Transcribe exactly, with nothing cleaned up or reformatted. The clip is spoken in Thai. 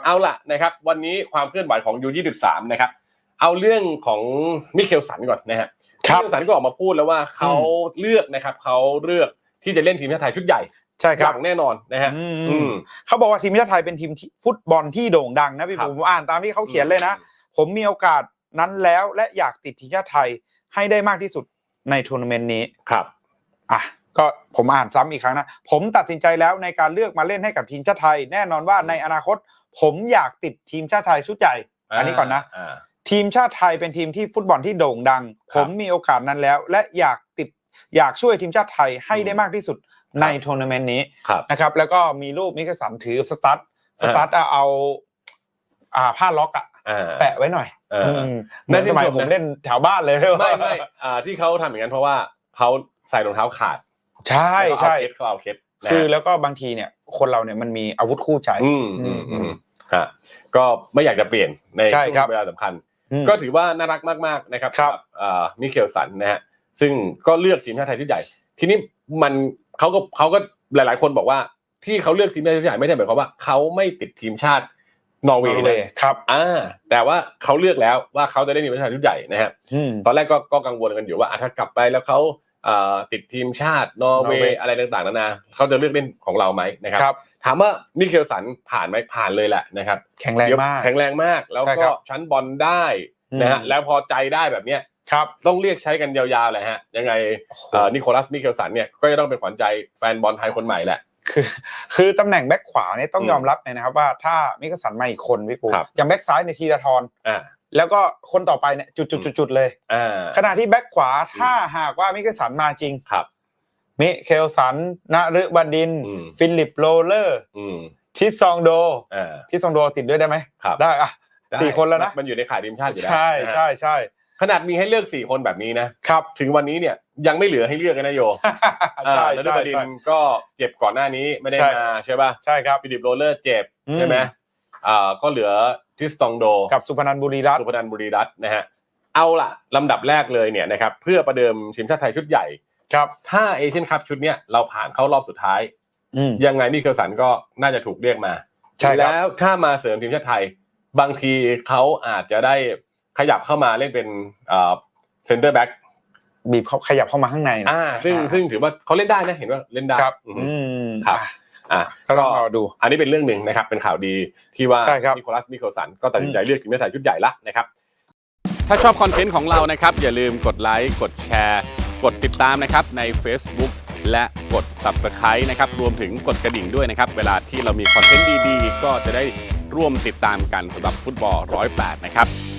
เอาล่ะนะครับวันนี้ความเคลื่อนไหวของ ยู ยี่สิบสาม นะครับเอาเรื่องของมิเคลสันก่อนนะฮะมิเคลสันก็ออกมาพูดแล้วว่าเขาเลือกนะครับเขาเลือกที่จะเล่นทีมชาติไทยชุดใหญ่ใช่ครับอย่างแน่นอนนะฮะเขาบอกว่าทีมชาติไทยเป็นทีมฟุตบอลที่โด่งดังนะพี่ผมอ่านตามที่เขาเขียนเลยนะผมมีโอกาสนั้นแล้วและอยากติดทีมชาติไทยให้ได้มากที่สุดในทัวร์นาเมนต์นี้ครับอ่ะก็ผมอ่านซ้ำอีกครั้งนะผมตัดสินใจแล้วในการเลือกมาเล่นให้กับทีมชาติไทยแน่นอนว่าในอนาคตผมอยากติดทีมชาติไทยชุดใหญ่อันนี้ก่อนนะทีมชาติไทยเป็นทีมที่ฟุตบอลที่โด่งดังผมมีโอกาสนั้นแล้วและอยากติดอยากช่วยทีมชาติไทยให้ได้มากที่สุดในทัวร์นาเมนต์นี้นะครับแล้วก็มีรูปมิเคลสันถือสตั๊ดสตั๊ดเอาอ่าผ้าล็อกอะแปะไว้หน่อยในสมัยผมเล่นแถวบ้านเลยไม่ไม่อ่าที่เขาทำอย่างนั้นเพราะว่าเขาใส่รองเท้าขาดใช่ใช่เขาเอาเคสคือแล้วก็บางทีเนี่ยคนเราเนี่ยมันมีอาวุธคู่ใจอืมอืมอืมฮะก็ไม่อยากจะเปลี่ยนในช่วงเวลาสำคัญก็ถือว่าน่ารักมากๆนะครับกับอ่ามิเคลสันนะฮะซึ่งก็เลือกทีมชาติไทยชุดใหญ่ทีนี้มันเขาก็เขาก็หลายๆคนบอกว่าที่เขาเลือกทีมชาติชุดใหญ่ไม่ใช่หมายความว่าเขาไม่ติดทีมชาตินอร์เวย์เลยครับอ่าแต่ว่าเขาเลือกแล้วว่าเขาจะได้ทีมชาติชุดใหญ่นะฮะตอนแรกก็ก็กังวลกันอยู่ว่าถ้ากลับไปแล้วเขาติดทีมชาตินอร์เวย์อะไรต่างๆนานาเขาจะเลือกเล่นของเราไหมนะครับถามว่ามิเคลสันผ่านไหมผ่านเลยแหละนะครับแข็งแรงมากแข็งแรงมากแล้วก็ชั้นบอลได้นะฮะแล้วพอใจได้แบบเนี้ยครับต้องเรียกใช้กันยาวๆเลยฮะยังไงนิโคลัสมิเคลสันเนี่ยก็จะต้องเป็นขวัญใจแฟนบอลไทยคนใหม่แหละคือคือตำแหน่งแบ็คขวาเนี่ยต้องยอมรับเลยนะครับว่าถ้ามิเคลสันมาอีกคนพี่ปูอย่างแบ็คซ้ายในธีรทรแล้วก็คนต่อไปเนี่ยจุดๆๆเลยขณะที่แบ็คขวาถ้าหากว่ามิเคลสันมาจริงครับมิเคลสันนฤบดินทร์ฟิลิปโรเลอร์ชิซองโดชิซองโดติดด้วยได้ไหมได้อะสี่คนแล้วนะมันอยู่ในข่ายทีมชาติอยู่แล้วใช่ใช่ใช่ขนาดมีให้เลือกสี่คนแบบนี้นะครับถึงวันนี้เนี่ยยังไม่เหลือให้เลือกกันนะโยใช่ใช่ใช่ก็เจ็บก่อนหน้านี้ไม่ได้มาใช่ป่ะใช่ครับฟิลิปโรเลอร์เจ็บใช่ไหมอ่าก็เหลือทิสตองโดกับสุพนันท์บุรีรัตน์สุพนันท์บุรีรัตน์นะฮะเอาล่ะลำดับแรกเลยเนี่ยนะครับเพื่อประเดิมทีมชาติไทยชุดใหญ่ครับถ้าเอเชียนคัพชุดเนี้ยเราผ่านเข้ารอบสุดท้ายยังไงมิเคลสันก็น่าจะถูกเรียกมาแล้วถ้ามาเสริมทีมชาติไทยบางทีเขาอาจจะได้ขยับเข้ามาเล่นเป็นเอ่อเซ็นเตอร์แบ็คบีบเขาขยับเข้ามาข้างในอ่าซึ่งซึ่งถือว่าเขาเล่นได้นะเห็นว่าเล่นได้ครับอืมครับอ่าก็รอดูอันนี้เป็นเรื่องนึงนะครับเป็นข่าวดีที่ว่านิโคลัสมิเคลสันก็ตัดสินใจเลือกทีมชาติไทยชุดใหญ่ละนะครับถ้าชอบคอนเทนต์ของเรานะครับอย่าลืมกดไลค์กดแชร์กดติดตามนะครับใน Facebook และกด ซับสไครบ์ นะครับรวมถึงกดกระดิ่งด้วยนะครับเวลาที่เรามีคอนเทนต์ดีๆก็จะได้ร่วมติดตามกันสำหรับฟุตบอลหนึ่งศูนย์แปดนะครับ